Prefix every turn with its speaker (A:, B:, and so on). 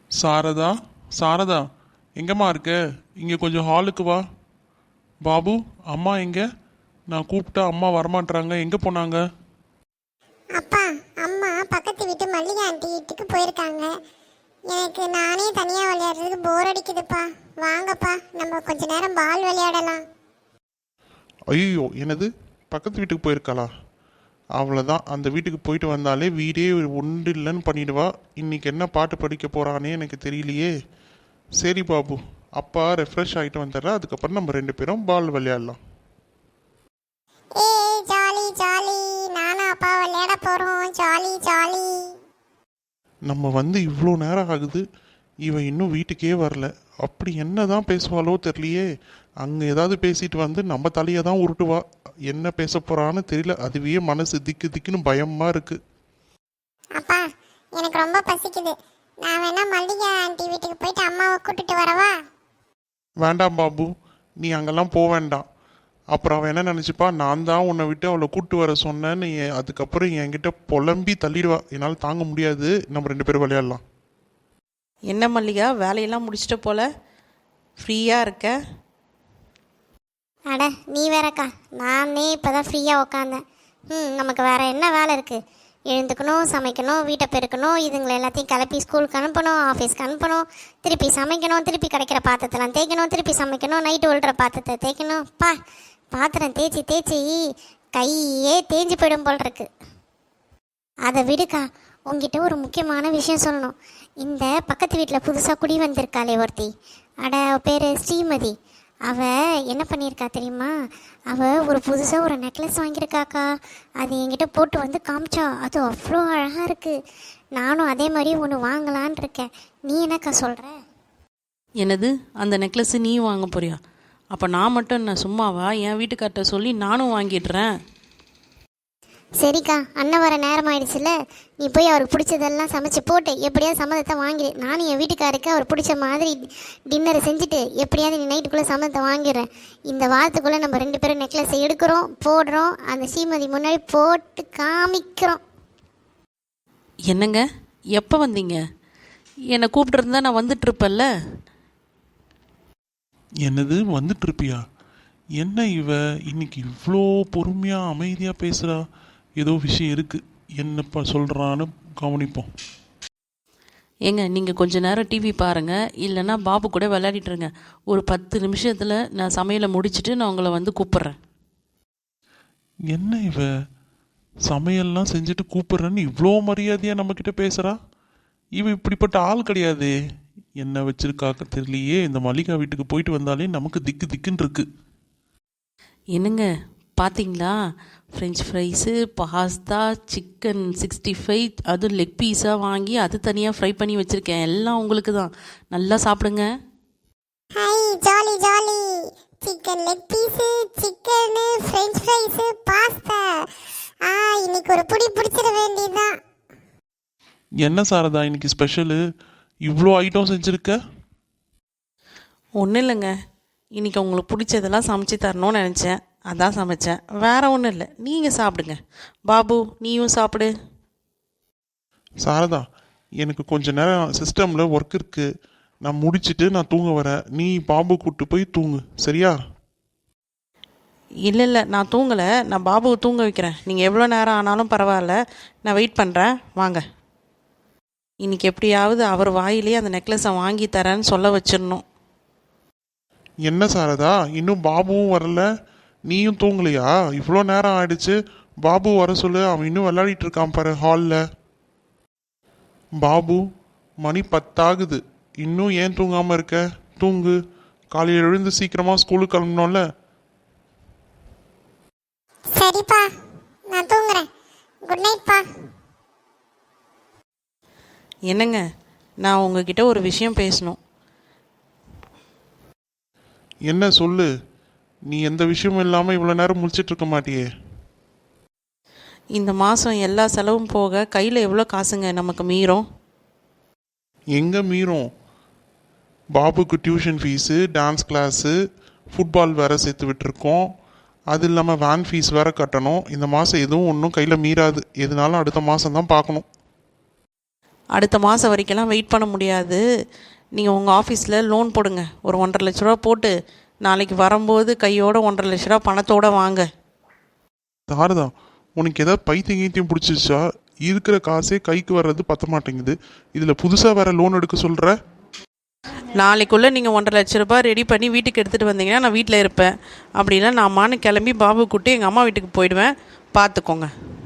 A: சாரதா, சாரதா, எங்கம்மா இருக்க? இங்கே கொஞ்சம் ஹாலுக்கு வா. பாபு, அம்மா எங்க? நான் கூப்பிட்டா அம்மா வரமாட்றாங்க, எங்கே போனாங்க?
B: அப்பா, அம்மா பக்கத்து வீட்டு மல்லிகை ஆண்டி வீட்டுக்கு போயிருக்காங்க. எனக்கு நானே தனியாக விளையாடுறதுக்கு போர் அடிக்குதுப்பா. வாங்கப்பா, நம்ம கொஞ்ச நேரம் பால் விளையாடலாம்.
A: ஐயோ, என்னது? பக்கத்து வீட்டுக்கு போயிருக்காளா? அவ்வளோதான், அந்த வீட்டுக்கு போயிட்டு வந்தாலே வீடே ஒன்று இல்லைன்னு பண்ணிடுவா. இன்னைக்கு என்ன பாட்டு படிக்க போகிறானே எனக்கு தெரியலையே. சரி பாபு, அப்பா ரெஃப்ரெஷ் ஆகிட்டு வந்துடுறா, அதுக்கப்புறம் நம்ம ரெண்டு பேரும் பால் விளையாடலாம்.
B: ஏய் ஜாலி ஜாலி, நானும் அப்பா விளையாட போகிறோம். Jolly jolly.
A: நம்ம வந்து இவ்வளோ நேரம் ஆகுது, இவன் இன்னும் வீட்டுக்கே வரல. அப்படி என்ன தான் பேசுவாளோ தெரியலையே. அங்கே ஏதாவது பேசிட்டு வந்து நம்ம தலையை தான் உருட்டுவா. என்ன பேச போகிறான்னு தெரியல. அதுவே மனசு திக்கு திக்குன்னு பயமாக இருக்குது.
B: அப்பா, எனக்கு ரொம்ப பசிக்குது. நான் வேணா மல்லிகை ஆண்டி வீட்டுக்கு போயிட்டு அம்மாவை கூட்டிட்டு வரவா?
A: வேண்டாம் பாபு, நீ அங்கெல்லாம் போக வேண்டாம். அப்புறம் அவன் என்ன நினச்சிப்பா, நான் தான் உன்னை விட்டு அவளை கூப்பிட்டு வர சொன்னேன்னு அதுக்கப்புறம் என்கிட்ட புலம்பி தள்ளிடுவா. என்னால் தாங்க முடியாது. நம்ம ரெண்டு பேரும் விளையாடலாம்.
C: என்ன மல்லிகா, வேலையெல்லாம் முடிச்சிட்ட போல, ஃப்ரீயாக இருக்க?
B: அட நீ வேறக்கா, நானே இப்போ தான் ஃப்ரீயாக உக்காந்தேன். நமக்கு வேற என்ன வேலை இருக்குது? எழுந்துக்கணும், சமைக்கணும், வீட்டை பெருக்கணும், இதுங்களை எல்லாத்தையும் கிளப்பி ஸ்கூலுக்கு அனுப்பணும், ஆஃபீஸ்க்கு அனுப்பணும், திருப்பி சமைக்கணும், திருப்பி கிடைக்கிற பாத்திரத்தெல்லாம் தேய்க்கணும், திருப்பி சமைக்கணும், நைட்டு விழுற பாத்திரத்தை தேய்க்கணும். பாத்திரம் தேய்ச்சி தேய்ச்சி கையே தேஞ்சு போயிடும் போல் இருக்கு. அதை விடுக்கா, உங்ககிட்ட ஒரு முக்கியமான விஷயம் சொல்லணும். இந்த பக்கத்து வீட்டில் புதுசாக குடி வந்திருக்காளே ஒருத்தி, அட பேர் ஸ்ரீமதி. அவள் என்ன பண்ணியிருக்கா தெரியுமா? அவள் ஒரு புதுசாக ஒரு நெக்லஸ் வாங்கியிருக்காக்கா. அது என்கிட்ட போட்டு வந்து காமிச்சா. அது அவ்வளோ அழகாக இருக்குது. நானும் அதே மாதிரி ஒன்று வாங்கலான் இருக்கேன். நீ என்னக்கா சொல்கிற?
C: என்னது, அந்த நெக்லஸ்ஸு நீ வாங்க போறியா? அப்போ நான் மட்டும் என்ன சும்மாவா? என் வீட்டுக்கார்ட்ட சொல்லி நானும் வாங்கிடுறேன்.
B: சரிக்கா, அண்ணன் வர நேரம் ஆயிடுச்சுல, நீ போய் அவருக்கு பிடிச்சதெல்லாம் சமைச்சு போட்டு எப்படியாவது சம்மதத்தை வாங்கிடு. நானும் என் வீட்டுக்காருக்கு அவர் பிடிச்ச மாதிரி டின்னரை செஞ்சுட்டு எப்படியாவது நீ நைட்டுக்குள்ளே சம்மதத்தை வாங்கிடுறேன். இந்த வாரத்துக்குள்ளே நம்ம ரெண்டு பேரும் நெக்லஸை எடுக்கிறோம், போடுறோம், அந்த ஸ்ரீமதி முன்னாடி போட்டு காமிக்கிறோம்.
C: என்னங்க, எப்போ வந்தீங்க? என்னை கூப்பிட்டுருந்தா நான் வந்துட்டுருப்பேன்ல.
A: என்னது, வந்துட்டு இருப்பியா? என்ன இவ இன்னைக்கு இவ்வளோ பொறுமையாக அமைதியாக பேசுகிறா? ஏதோ விஷயம் இருக்குது. என்னப்பா சொல்கிறான்னு கவனிப்போம்.
C: ஏங்க, நீங்கள் கொஞ்ச நேரம் டிவி பாருங்கள், இல்லைன்னா பாபு கூட விளையாடிட்டுருங்க. ஒரு 10 நிமிஷத்தில் நான் சமையலை முடிச்சுட்டு நான் உங்களை வந்து கூப்பிட்றேன்.
A: என்ன இவ சமையல்லாம் செஞ்சுட்டு கூப்பிட்றேன்னு இவ்வளோ மரியாதையாக நம்மக்கிட்ட பேசுகிறா? இவ இப்படிப்பட்ட ஆள் கிடையாதே. என்ன வச்சிருக்காக்க தெரியலையே. இந்த மல்லிகா வீட்டுக்கு போயிட்டு வந்தாலே நமக்கு திக்கு திக்குன்னு இருக்கு.
C: என்னங்க, பார்த்தீங்களா? ஃப்ரெஞ்ச் ஃப்ரைஸு, பாஸ்தா, சிக்கன் 65, அதுவும் லெக் பீஸாக வாங்கி அது தனியாக ஃப்ரை பண்ணி வச்சுருக்கேன். எல்லாம் உங்களுக்கு தான். நல்லா சாப்பிடுங்க.
B: Hi jolly jolly. Chicken leg piece, chicken, french fries, pasta. இன்னைக்கு ஒரு புடி பிடிச்சிட வேண்டியதுதான்.
A: என்ன சாரதா இன்னைக்கு ஸ்பெஷலு? இவ்வளோ ஐட்டம் செஞ்சுருக்க?
C: ஒன்றும் இல்லைங்க, இன்றைக்கி உங்களுக்கு பிடிச்சதெல்லாம் சமைச்சு தரணும்னு நினச்சேன், அதான் சமைச்சேன். வேறு ஒன்றும் இல்லை. நீங்கள் சாப்பிடுங்க. பாபு, நீயும் சாப்பிடு.
A: சாரதா, எனக்கு கொஞ்ச நேரம் சிஸ்டமில் ஒர்க் இருக்குது. நான் முடிச்சுட்டு நான் தூங்க வரேன். நீ பாபு கூப்பிட்டு போய் தூங்கு, சரியா?
C: இல்லை, நான் தூங்கலை. நான் பாபுவை தூங்க வைக்கிறேன். நீங்கள் எவ்வளோ நேரம் ஆனாலும் பரவாயில்ல, நான் வெயிட் பண்ணுறேன். வாங்க. இன்றைக்கி எப்படியாவது அவர் வாயிலேயே அந்த நெக்லஸை வாங்கி தரேன்னு சொல்ல வச்சிடணும்.
A: என்ன சாரதா, இன்னும் பாபுவும் வரல, நீயும் தூங்கலையா? இவ்வளோ நேரம் ஆயிடுச்சு. பாபு வர சொல்லு, அவன் இன்னும் விளையாடிட்டு இருக்கான் பாரு ஹாலில். பாபு, மணி 10 ஆகுது, இன்னும் ஏன் தூங்காமல் இருக்க? தூங்கு. காலையில் எழுந்து சீக்கிரமாக ஸ்கூலுக்கு கிளம்பணும்ல.
B: சரிப்பா, நான் தூங்குறேன். குட் நைட்ப்பா.
C: என்னங்க, நான் உங்ககிட்ட ஒரு விஷயம் பேசணும்.
A: என்ன சொல்லு. நீ எந்த விஷயமும் இல்லாமல் இவ்வளோ நேரம் முடிச்சிட்டு இருக்க மாட்டியே.
C: இந்த மாதம் எல்லா செலவும் போக கையில் எவ்வளோ காசுங்க நமக்கு மீறும்?
A: எங்கே மீறும்? பாபுக்கு tuition fees, dance class, football வேறு சேர்த்து விட்டுருக்கோம். அது இல்லாமல் வேன் ஃபீஸ் வேறு கட்டணும். இந்த மாதம் எதுவும் ஒன்றும் கையில் மீறாது. எதுனாலும் அடுத்த மாதம் தான் பார்க்கணும்.
C: அடுத்த மாதம் வரைக்கெல்லாம் வெயிட் பண்ண முடியாது. நீங்கள் உங்கள் ஆஃபீஸில் லோன் போடுங்க. ஒரு 1,50,000 லட்ச ரூபா போட்டு நாளைக்கு வரும்போது கையோட 1,50,000 லட்ச ரூபா பணத்தோடு வாங்க.
A: சாரதா, உனக்கு ஏதாவது பைத்தியம் கீத்தியம் பிடிச்சிச்சா? இருக்கிற காசே கைக்கு வர்றது பத்த மாட்டேங்குது, இதில் புதுசாக வேற லோன் எடுக்க சொல்கிற?
C: நாளைக்குள்ளே நீங்கள் 1,50,000 லட்ச ரூபா ரெடி பண்ணி வீட்டுக்கு எடுத்துகிட்டு வந்தீங்கன்னா நான் வீட்டில் இருப்பேன். அப்படின்னா நான் கிளம்பி பாபு கூட்டி எங்கள் அம்மா வீட்டுக்கு போயிடுவேன். பார்த்துக்கோங்க.